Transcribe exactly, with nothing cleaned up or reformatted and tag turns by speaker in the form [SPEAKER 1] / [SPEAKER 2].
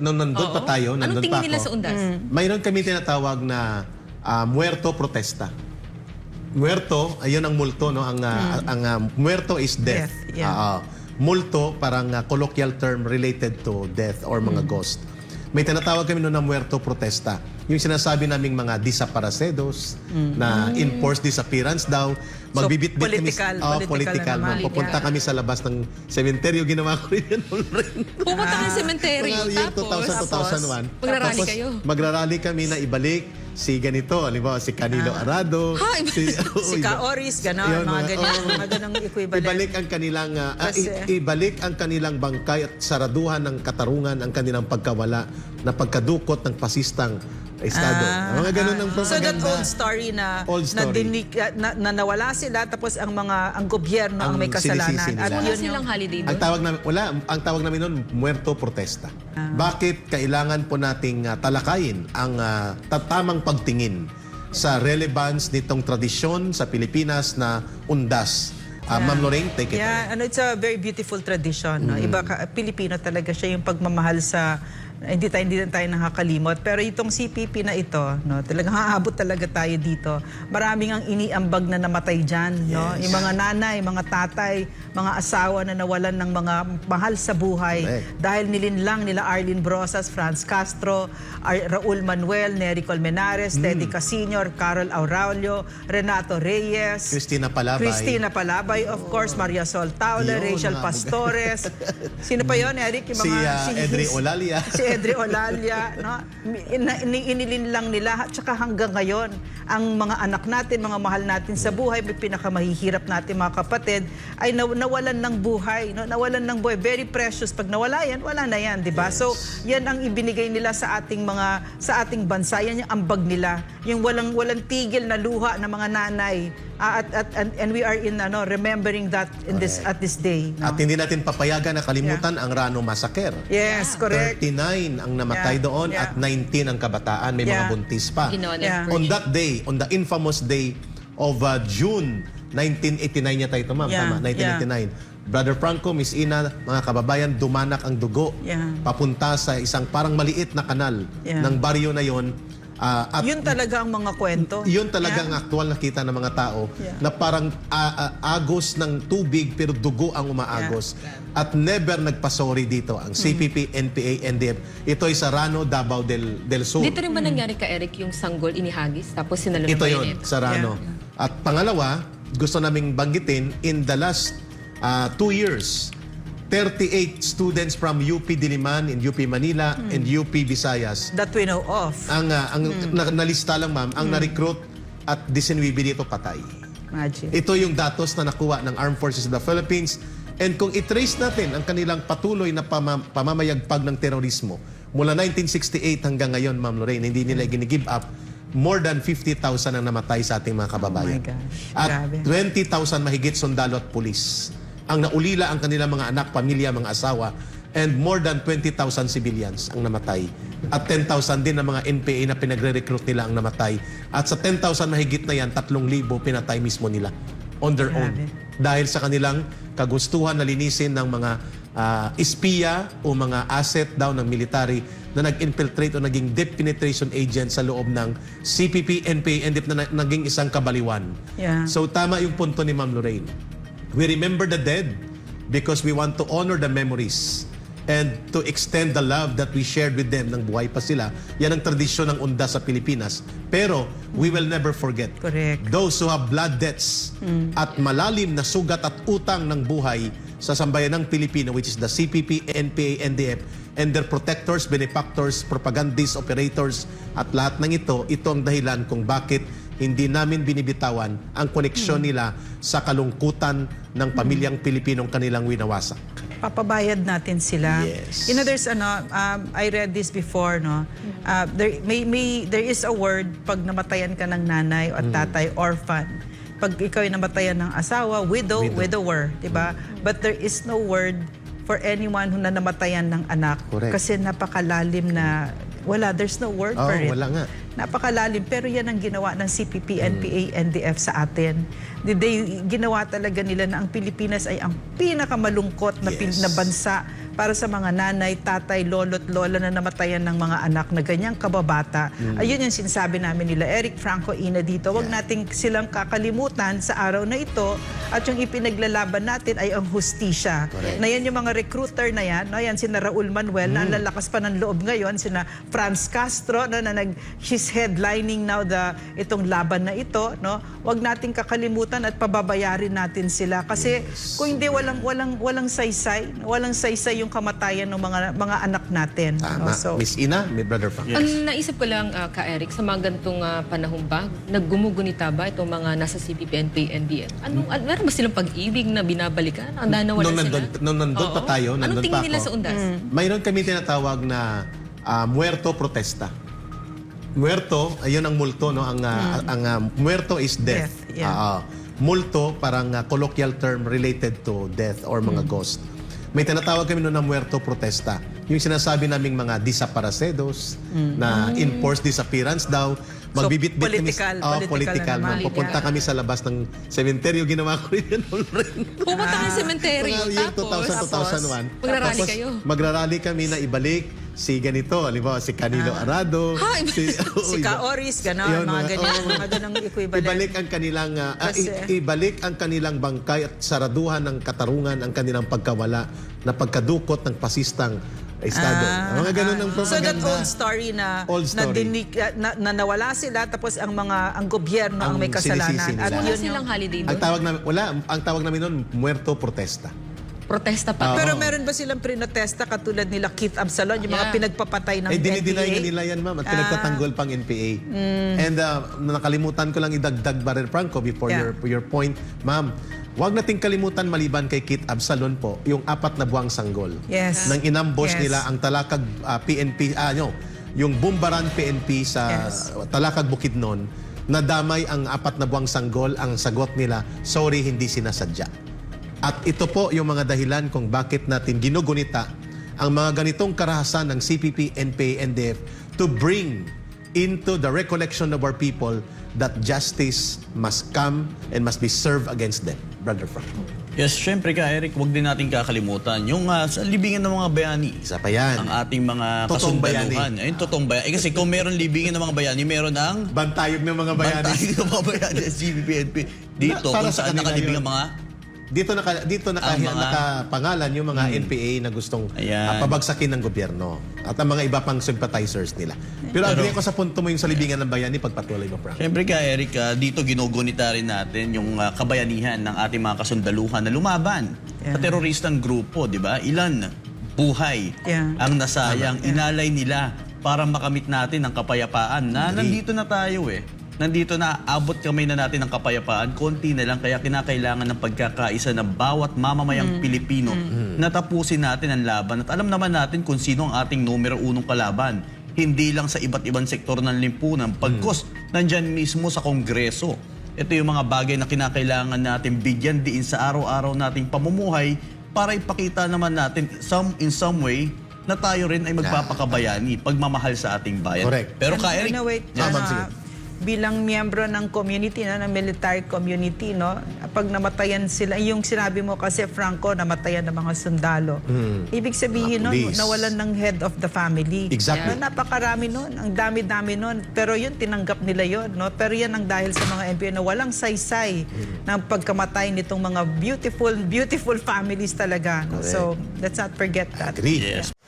[SPEAKER 1] nung nandun
[SPEAKER 2] Oo.
[SPEAKER 1] pa tayo,
[SPEAKER 2] Anong
[SPEAKER 1] nandun
[SPEAKER 2] tingin
[SPEAKER 1] pa
[SPEAKER 2] nila
[SPEAKER 1] ako,
[SPEAKER 2] sa undas?
[SPEAKER 1] mayroon kami tinatawag na ah, muerto protesta. Muerto, ayun ang multo, no? Ang, ah, ang ah, muerto is death.
[SPEAKER 3] Death, yeah.
[SPEAKER 1] Ah, ah. Multo, parang ah, colloquial term related to death or mga ghost. May tinatawag kami noon na muerto protesta. Yung sinasabi naming mga desaparecidos, na enforced disappearance daw. Magbibit-bit
[SPEAKER 3] political,
[SPEAKER 1] kami. Oh,
[SPEAKER 3] political
[SPEAKER 1] political.
[SPEAKER 3] na naman.
[SPEAKER 1] no? Pupunta
[SPEAKER 2] Yeah.
[SPEAKER 1] kami sa labas ng sementeryo. Ginawa ko rin yan already.
[SPEAKER 2] Pumunta ka ng sementeryo,
[SPEAKER 1] Mga year
[SPEAKER 2] tapos,
[SPEAKER 1] two thousand, two thousand one.
[SPEAKER 2] Magrarally
[SPEAKER 1] Tapos,
[SPEAKER 2] kayo.
[SPEAKER 1] Magrarally kami na ibalik si ganito. Halimbawa, si Canelo Arado.
[SPEAKER 2] Ha, iba-
[SPEAKER 1] si,
[SPEAKER 3] Si Ka-Oris, gano'n,
[SPEAKER 1] Yun,
[SPEAKER 3] mga
[SPEAKER 1] mga-
[SPEAKER 3] ganyan,
[SPEAKER 1] oo.
[SPEAKER 3] mga ganang equivalent.
[SPEAKER 1] Ibalik ang kanilang ah, ah,
[SPEAKER 3] Kasi-
[SPEAKER 1] i- ibalik ang kanilang bangkay at saraduhan ng katarungan ang kanilang pagkawala na pagkadukot ng pasistang estado.
[SPEAKER 3] Ah,
[SPEAKER 1] mga ganun ang
[SPEAKER 3] So that
[SPEAKER 1] propaganda.
[SPEAKER 3] old story na
[SPEAKER 1] Old
[SPEAKER 3] na,
[SPEAKER 1] story.
[SPEAKER 3] dinig, na, na nawala sila tapos ang mga ang gobyerno ang,
[SPEAKER 1] Ang
[SPEAKER 3] may kasalanan
[SPEAKER 1] sinisisi nila.
[SPEAKER 3] at
[SPEAKER 2] Wala
[SPEAKER 3] yun yung
[SPEAKER 2] silang holiday
[SPEAKER 1] Ang
[SPEAKER 2] doon.
[SPEAKER 1] tawag namin, wala, ang tawag namin noon, muerto protesta.
[SPEAKER 3] Ah.
[SPEAKER 1] Bakit kailangan po nating ah, talakayin ang ah, tatamang pagtingin sa relevance nitong tradisyon sa Pilipinas na undas? Ah, Ma'am Lorraine, take it.
[SPEAKER 3] Yeah, ano, it's a very beautiful tradition. No?
[SPEAKER 1] Mm.
[SPEAKER 3] Iba ka, Pilipino talaga siya yung pagmamahal sa hindi tayo hindi tayo nakakalimot. Pero itong C P P na ito, no, talagang haabot talaga tayo dito. Maraming ang iniambag na namatay diyan, no?
[SPEAKER 1] Yes.
[SPEAKER 3] Yung mga nanay, mga tatay, mga asawa na nawalan ng mga mahal sa buhay
[SPEAKER 1] Correct.
[SPEAKER 3] dahil nilinlang nila Arlene Brosas, Franz Castro, Ar- Raul Manuel, Nery Colmenares,
[SPEAKER 1] Mm.
[SPEAKER 3] Teddy Casino, Carol Aurelio, Renato Reyes,
[SPEAKER 1] Christina Palabay.
[SPEAKER 3] Christina Palabay, of course, Maria Sol Tauler,
[SPEAKER 1] Yun,
[SPEAKER 3] Rachel
[SPEAKER 1] mga
[SPEAKER 3] Pastores. Sino pa yon, Eric? Yung
[SPEAKER 1] Si,
[SPEAKER 3] mga,
[SPEAKER 1] ah, Edri Olalia.
[SPEAKER 3] Si Edri Olalia. No? In, in, inilin lang nila. At saka hanggang ngayon, ang mga anak natin, mga mahal natin sa buhay, may pinakamahihirap natin mga kapatid, ay naw- nawalan ng buhay. No? Nawalan ng buhay. Very precious. Pag nawala yan, wala na yan, di ba? So, yan ang ibinigay nila sa ating mga, sa ating bansa. Yan yung ambag nila. Yung walang, walang tigil na luha ng mga nanay. Ah, at, at, and, and we are in ano, remembering that in this at this day. No?
[SPEAKER 1] At hindi natin papayagan na kalimutan ang Rano Massacre.
[SPEAKER 3] Yes, correct.
[SPEAKER 1] thirty-nine ang namatay
[SPEAKER 3] Yeah,
[SPEAKER 1] doon
[SPEAKER 3] yeah.
[SPEAKER 1] at nineteen ang kabataan. May mga
[SPEAKER 3] Yeah.
[SPEAKER 1] buntis pa.
[SPEAKER 2] Ginawa ng
[SPEAKER 3] Yeah.
[SPEAKER 2] purge.
[SPEAKER 1] On that day, on the infamous day of uh, June nineteen eighty-nine yata ito, ma'am.
[SPEAKER 3] Yeah,
[SPEAKER 1] Tama, nineteen eighty-nine. Brother Franco, Miss Ina, mga kababayan, dumanak ang dugo.
[SPEAKER 3] Yeah.
[SPEAKER 1] Papunta sa isang parang maliit na kanal
[SPEAKER 3] Yeah.
[SPEAKER 1] ng baryo na yon. Ah, at
[SPEAKER 3] Yun talaga ang mga kwento.
[SPEAKER 1] yun talaga
[SPEAKER 3] Yeah.
[SPEAKER 1] ang aktual nakita ng mga tao
[SPEAKER 3] Yeah.
[SPEAKER 1] na parang ah, ah, agos ng tubig pero dugo ang umaagos. At never nagpasori dito ang C P P, N P A, N D F. Ito ay sa Rano, Davao del, del Sur.
[SPEAKER 2] Dito rin ba nangyari ka, Eric, yung sanggol inihagis tapos sinalo ng
[SPEAKER 1] Ito
[SPEAKER 2] bayonet?
[SPEAKER 1] yon sa Rano. At pangalawa, gusto naming banggitin, in the last ah, two years, thirty-eight students from U P Diliman and U P Manila and U P Visayas
[SPEAKER 3] That we know of.
[SPEAKER 1] ang ah, ang na, nalista lang, ma'am, ang na-recruit at disinwibi dito patay.
[SPEAKER 3] Imagine.
[SPEAKER 1] Ito yung datos na nakuha ng Armed Forces of the Philippines. And kung i-trace natin ang kanilang patuloy na pama- pamamayagpag ng terorismo mula nineteen sixty-eight hanggang ngayon, Ma'am Lorraine, hindi nila gini-give up. More than fifty thousand ang namatay sa ating mga kababayan.
[SPEAKER 3] Oh my gosh,
[SPEAKER 1] At
[SPEAKER 3] grabe.
[SPEAKER 1] twenty thousand mahigit sundalo at pulis. Ang naulila ang kanilang mga anak, pamilya, mga asawa, and more than twenty thousand civilians ang namatay. At ten thousand din ang mga N P A na pinagre-recruit nila ang namatay. At sa ten thousand mahigit na yan, tatlong libo pinatay mismo nila on their own.
[SPEAKER 3] Grabe.
[SPEAKER 1] Dahil sa kanilang kagustuhan na linisin ng mga ah, espiya o mga asset daw ng military na nag-infiltrate o naging deep penetration agent sa loob ng C P P, N P A, N D F na na- naging isang kabaliwan.
[SPEAKER 3] Yeah.
[SPEAKER 1] So tama yung punto ni Ma'am Lorraine. We remember the dead because we want to honor the memories and to extend the love that we shared with them nang buhay pa sila. Yan ang tradisyon ng undas sa Pilipinas. Pero we will never forget
[SPEAKER 3] Correct.
[SPEAKER 1] those who have blood debts at malalim na sugat at utang ng buhay sa sambayanang Pilipino, which is the C P P, N P A, N D F, and their protectors, benefactors, propagandists, operators, at lahat ng ito, ito ang dahilan kung bakit hindi namin binibitawan ang koneksyon nila sa kalungkutan ng pamilyang Pilipinong kanilang winawasak.
[SPEAKER 3] Papabayad natin sila.
[SPEAKER 1] Yes.
[SPEAKER 3] You know, there's ano, um, I read this before, no? Uh, there, may, may, there is a word pag namatayan ka ng nanay o tatay, orphan. Pag ikaw ay namatayan ng asawa, widow,
[SPEAKER 1] Widow.
[SPEAKER 3] widower, di ba? But there is no word for anyone who na namatayan ng anak.
[SPEAKER 1] Correct.
[SPEAKER 3] Kasi napakalalim na, wala, there's no word
[SPEAKER 1] Oh,
[SPEAKER 3] for it.
[SPEAKER 1] wala nga.
[SPEAKER 3] Napakalalim, pero yan ang ginawa ng C P P, N P A, N D F sa atin. They, ginawa talaga nila na ang Pilipinas ay ang pinakamalungkot na, pin-
[SPEAKER 1] Yes.
[SPEAKER 3] na bansa para sa mga nanay, tatay, lolo't lola na namatayan ng mga anak na ganyang kababata. Ayun yung sinasabi namin nila Eric, Franco, Ina dito. Huwag nating silang kakalimutan sa araw na ito at yung ipinaglalaban natin ay ang hustisya. Na yan yung mga recruiter na yan, no? Yan sina Raul Manuel na ang lalakas pa ng loob ngayon, sina Franz Castro no, na nag she's headlining now the itong laban na ito, no? Huwag nating kakalimutan at pababayarin natin sila kasi kung hindi walang walang walang saysay, walang saysay yung kamatayan ng mga mga anak natin.
[SPEAKER 1] Tama.
[SPEAKER 3] No? So,
[SPEAKER 1] Miss Ina, may brother Frank.
[SPEAKER 2] Ang naisip ko lang, uh, ka Eric, sa mga ganitong uh, panahon ba, naggumugunita ba itong mga nasa C P P, N P A, N D F? Anong, an meron ba silang pag-ibig na binabalikan? Ang nanawalan
[SPEAKER 1] Nung
[SPEAKER 2] sila?
[SPEAKER 1] nandun, nung nandun pa
[SPEAKER 2] Oo.
[SPEAKER 1] tayo,
[SPEAKER 2] Anong
[SPEAKER 1] nandun
[SPEAKER 2] tingin
[SPEAKER 1] pa
[SPEAKER 2] nila
[SPEAKER 1] ako.
[SPEAKER 2] sa undas?
[SPEAKER 1] Mayroon kami tinatawag na ah, muerto protesta. Muerto, ayun ang multo, no? Ang, ah, ang ah, muerto is death.
[SPEAKER 3] Death, yeah.
[SPEAKER 1] Ah, ah. multo, parang ah, colloquial term related to death or mga ghost. May tinatawag kami noon na muerto protesta. Yung sinasabi naming mga desaparecidos, na enforced disappearance daw. Magbibit-bit
[SPEAKER 3] political,
[SPEAKER 1] kami. Oh,
[SPEAKER 3] political
[SPEAKER 1] political.
[SPEAKER 3] na naman.
[SPEAKER 1] ma'am. Pupunta
[SPEAKER 2] Yeah.
[SPEAKER 1] kami sa labas ng cementerio. Ginawa ko rin yun already.
[SPEAKER 2] Pumunta ka sa cemetery,
[SPEAKER 1] Mga year
[SPEAKER 2] tapos,
[SPEAKER 1] two thousand, two thousand one.
[SPEAKER 2] Magrarally
[SPEAKER 1] Tapos,
[SPEAKER 2] kayo.
[SPEAKER 1] Magrarally kami na ibalik si ganito, halimbawa si Canelo Arado,
[SPEAKER 2] Ha, iba-
[SPEAKER 1] si, oo,
[SPEAKER 3] si
[SPEAKER 1] iba-
[SPEAKER 3] Ka-Oris, gano'n,
[SPEAKER 1] Yun,
[SPEAKER 3] mga
[SPEAKER 1] mga-
[SPEAKER 3] ganyan,
[SPEAKER 1] oo.
[SPEAKER 3] mga ganang equivalent.
[SPEAKER 1] Ibalik ang kanilang ah, ah,
[SPEAKER 3] Kasi-
[SPEAKER 1] i- ibalik ang kanilang bangkay at saraduhan ng katarungan ang kanilang pagkawala na pagkadukot ng pasistang estado.
[SPEAKER 3] Ah,
[SPEAKER 1] mga ganun ang
[SPEAKER 3] So
[SPEAKER 1] propaganda.
[SPEAKER 3] that old story na
[SPEAKER 1] Old
[SPEAKER 3] na,
[SPEAKER 1] story.
[SPEAKER 3] dinig, na, na nawala sila tapos ang mga ang gobyerno ang,
[SPEAKER 1] Ang
[SPEAKER 3] may kasalanan
[SPEAKER 1] sinisisi nila.
[SPEAKER 3] at
[SPEAKER 2] Wala
[SPEAKER 3] yun yung
[SPEAKER 2] silang holiday
[SPEAKER 1] ang
[SPEAKER 2] doon?
[SPEAKER 1] tawag namin wala, ang tawag namin noon muerto protesta.
[SPEAKER 2] Protesta pa.
[SPEAKER 1] Oo.
[SPEAKER 3] Pero meron ba silang prinotesta katulad nila Keith Absalon, yung mga
[SPEAKER 2] Yeah.
[SPEAKER 3] pinagpapatay ng
[SPEAKER 1] Eh,
[SPEAKER 3] N P A?
[SPEAKER 1] dinideny nga nila yan, ma'am, at pinagtatanggol pang N P A. And uh, nakalimutan ko lang idagdag, Brother Franco, before
[SPEAKER 3] Yeah.
[SPEAKER 1] your your point, ma'am, huwag nating kalimutan maliban kay Kit Absalon po, yung apat na buwang sanggol.
[SPEAKER 3] Yes.
[SPEAKER 1] Nang inambush
[SPEAKER 3] Yes.
[SPEAKER 1] nila ang Talakag uh, P N P, ah, no, yung Bumbaran P N P sa
[SPEAKER 3] Yes.
[SPEAKER 1] Talakag Bukidnon, nadamay ang apat na buwang sanggol, ang sagot nila, sorry, hindi sinasadya. At ito po yung mga dahilan kung bakit natin ginugunita ang mga ganitong karahasan ng C P P, N P A, N D F to bring into the recollection of our people that justice must come and must be served against them. Brother Frank.
[SPEAKER 4] Yes, syempre ka Eric, wag din natin kakalimutan yung ah, sa libingan ng mga bayani.
[SPEAKER 1] Isa pa yan.
[SPEAKER 4] Ang ating mga
[SPEAKER 1] Totoong
[SPEAKER 4] kasundaluhan. Ayun, totoong bayani. Eh, kasi kung meron libingan ng mga bayani, meron ang
[SPEAKER 1] Bantayog ng mga bayani.
[SPEAKER 4] bantay ng mga bayani sa C P P N P. Dito,
[SPEAKER 1] Na- para
[SPEAKER 4] kung
[SPEAKER 1] sa
[SPEAKER 4] saan
[SPEAKER 1] kanila
[SPEAKER 4] nakalibing
[SPEAKER 1] yun.
[SPEAKER 4] ang mga
[SPEAKER 1] Dito naka dito naka,
[SPEAKER 4] Ang mga-
[SPEAKER 1] nakapangalan yung mga N P A na gustong
[SPEAKER 4] Ayan.
[SPEAKER 1] ah, pabagsakin ng gobyerno at ang mga iba pang sympathizers nila. Pero, agree ako sa punto mo yung sa libingan ng bayani, pagpatuloy mo, Frank.
[SPEAKER 4] Siyempre ka, Eric, ah, dito ginugunita rin natin yung ah, kabayanihan ng ating mga kasundaluhan na lumaban
[SPEAKER 3] Yeah.
[SPEAKER 4] sa teroristang grupo, di ba? Ilan buhay
[SPEAKER 3] Yeah.
[SPEAKER 4] ang nasayang, inalay nila para makamit natin ang kapayapaan na nandito na tayo eh. Nandito na, abot kamay na natin ng kapayapaan, konti na lang, kaya kinakailangan ng pagkakaisa ng bawat mamamayang Pilipino na tapusin natin ang laban. At alam naman natin kung sino ang ating numero unong kalaban. Hindi lang sa iba't ibang sektor ng limpunan, pagkos nandyan mismo sa Kongreso. Ito yung mga bagay na kinakailangan natin bigyan diin sa araw-araw nating pamumuhay para ipakita naman natin some, in some way na tayo rin ay magpapakabayani, pagmamahal sa ating bayan.
[SPEAKER 1] Correct.
[SPEAKER 4] Pero ka,
[SPEAKER 3] Ano-
[SPEAKER 4] Eric,
[SPEAKER 3] ano, wait,
[SPEAKER 1] Yeah,
[SPEAKER 3] ano,
[SPEAKER 1] ma'am, sige.
[SPEAKER 3] bilang miyembro ng community, no, ng military community, no, pag namatayan sila, yung sinabi mo kasi, Franco, namatayan ng mga sundalo. Ibig sabihin
[SPEAKER 1] Mga
[SPEAKER 3] nun,
[SPEAKER 1] police.
[SPEAKER 3] nawalan ng head of the family.
[SPEAKER 1] Exactly.
[SPEAKER 3] No, napakarami nun, ang dami-dami nun. Pero yun, tinanggap nila yun. No? Pero yan ang dahil sa mga N P A na walang saysay ng pagkamatay nitong mga beautiful, beautiful families talaga. No? So, let's not forget that.
[SPEAKER 1] Agree.
[SPEAKER 4] yes.